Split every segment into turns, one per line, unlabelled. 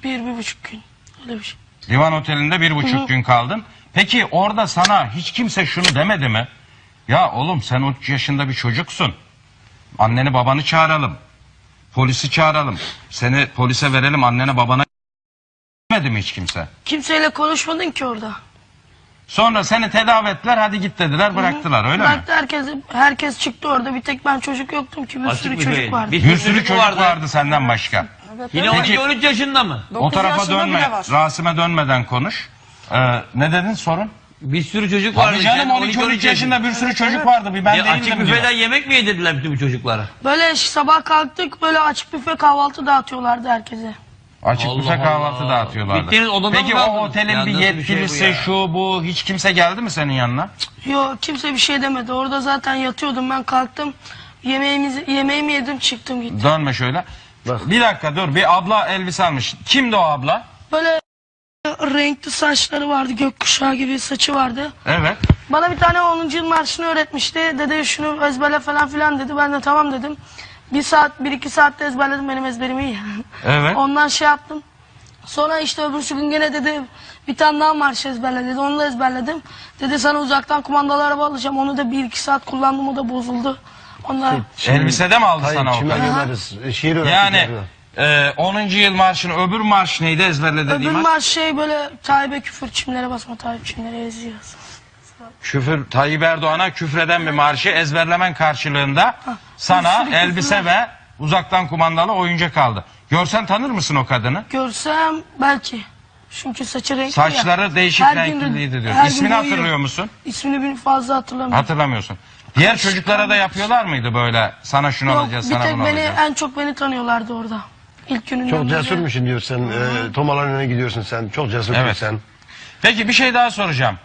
Bir buçuk gün. Öyle bir şey.
Divan Oteli'nde 1,5 gün kaldın. Peki orada sana hiç kimse şunu demedi mi? Ya oğlum sen 13 yaşında bir çocuksun. Anneni babanı çağıralım. Polisi çağıralım. Seni polise verelim, annene babana demedi mi hiç kimse?
Kimseyle konuşmadın ki orada.
Sonra seni tedavi ettiler, hadi git dediler, bıraktılar, öyle mi?
Bıraktı, herkes çıktı orada. Bir tek ben çocuk yoktum ki. Bir
Açık
sürü
bir
çocuk
beyin.
vardı.
Bir sürü çocuk vardı senden başka.
Yine
Peki-
12-13 yaşında mı?
O tarafa
yaşında
dönme,
bile var.
Rasim'e dönmeden konuş. Ne dedin sorun?
Bir sürü çocuk vardı.
Tabii canım,
Sen
12-13 yaşında bir sürü çocuk vardı, bir ben
Açık
değildim diyor.
büfeden yemek mi yedirdiler bütün bu çocuklara?
Böyle sabah kalktık, böyle açık büfe kahvaltı dağıtıyorlardı herkese.
Açık
Allah
büfe kahvaltı
Allah.
dağıtıyorlardı.
Gittiğiniz odada
Peki
mı
o
kaldınız?
otelin
Ya
bir
nasıl bir şey bu
yetkilisi
ya?
şu bu hiç kimse geldi mi senin yanına?
Yok, kimse bir şey demedi. Orada zaten yatıyordum, ben kalktım. Yemeğimi yedim, çıktım gittim.
Dönme şöyle. Bir dakika dur, bir abla elbise almış. Kimdi o abla?
Böyle renkli saçları vardı, gökkuşağı gibi saçı vardı.
Evet.
Bana bir tane 10. yıl marşını öğretmişti. Dedi şunu ezberle falan filan dedi. Ben de tamam dedim. 1-2 saatte ezberledim, benim ezberim iyi.
Evet.
Ondan şey yaptım. Sonra işte öbürsü gün gene dedi bir tane daha marş ezberle dedi. Onu da ezberledim. Dedi sana uzaktan kumandalı araba alacağım. Onu da 1-2 saat kullandım, o da bozuldu. Ondan
Elbisede mi aldı sana o
Kime
kadar?
göndeririz? Şiir öğrettik.
Yani 10. yıl marşını, öbür marş neydi ezberle dediğim
öbür
marş?
marş şey böyle Tayyip'e küfür, çimlere basma, Tayyip çimlere eziyor.
Küfür, Tayyip Erdoğan'a küfreden bir marşı ezberlemen karşılığında sana
sürü
elbise
küfür
ve uzaktan kumandalı oyuncak aldı. Görsen tanır mısın o kadını?
Görsem belki. Çünkü saçı renkli
Saçları
ya.
değişik
Her gün-
renkliydi diyor.
her gün
İsmini
boyuyor.
hatırlıyor musun?
İsmini bir fazla hatırlamıyorum.
Hatırlamıyorsun. Diğer çocuklara da yapıyorlar mıydı böyle? Sana şunu
Yok,
alacağız,
bir
sana
tek
bunu
beni,
alacağız.
en çok beni tanıyorlardı orada. İlk gününden
Çok
beri.
cesurmuşsun diyor sen. Tomaların önüne gidiyorsun sen. Çok cesur
Evet.
sen.
Peki bir şey daha soracağım.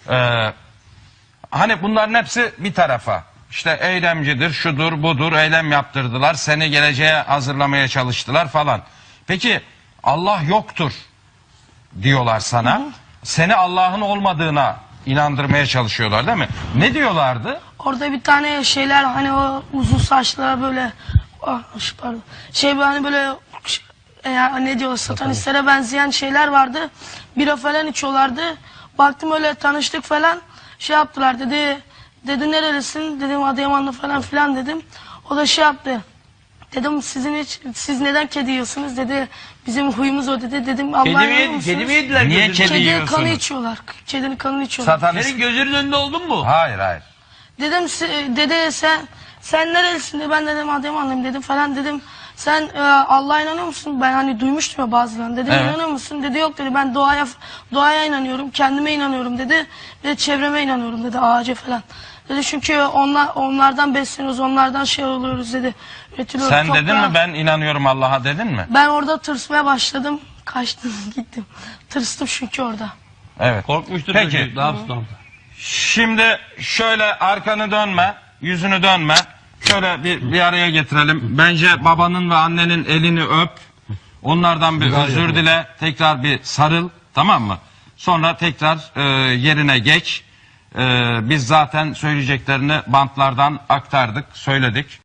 Hani bunların hepsi bir tarafa. İşte eylemcidir, şudur, budur, eylem yaptırdılar. Seni geleceğe hazırlamaya çalıştılar falan. Peki Allah yoktur diyorlar sana. Seni Allah'ın olmadığına inandırmaya çalışıyorlar değil mi? Ne diyorlardı?
Orada bir tane şeyler hani o uzun saçlı böyle pardon. Şey hani böyle ne diyorlar satanistlere benzeyen şeyler vardı. Bira falan içiyorlardı. Baktım öyle tanıştık falan. Şey yaptılar dedi nerelisin? Dedim Adıyamanlı falan filan dedim. O da şey yaptı. Dedim siz neden kedi yiyorsunuz? Dedi bizim huyumuz o dedi. Dedim Allah'a inanıyor musunuz?
Kedi mi yediler?
Niye
gözünün-
kedi
Kedinin
yiyorsunuz?
kanı içiyorlar. Kedinin kanını içiyorlar.
Satanist.
Senin gözünün önünde oldun mu?
Hayır hayır.
Dedim dede sen nerelisin dedi. Ben dedim Adıyamanlıyım dedim falan dedim. Sen Allah'a inanıyor musun? Ben hani duymuştum ya bazılarını. Dedim
Evet.
inanıyor musun? Dedi yok dedi. Ben doğaya inanıyorum. Kendime inanıyorum dedi. Ve çevreme inanıyorum dedi. Ağaca falan. Dedi çünkü onlardan besleniyoruz. Onlardan şey oluyoruz dedi. Üretiliyoruz.
Sen dedin
toprağa.
mi ben inanıyorum Allah'a dedin mi?
Ben orada tırsmaya başladım. Kaçtım gittim. Tırstım çünkü orada.
Evet.
Korkmuştur
Peki.
çocuk. Ne yapsın?
Şimdi şöyle arkanı dönme, yüzünü dönme. Şöyle bir araya getirelim. Bence babanın ve annenin elini öp. Onlardan bir özür dile. Tekrar bir sarıl. Tamam mı? Sonra tekrar yerine geç. Biz zaten söyleyeceklerini bantlardan aktardık, söyledik.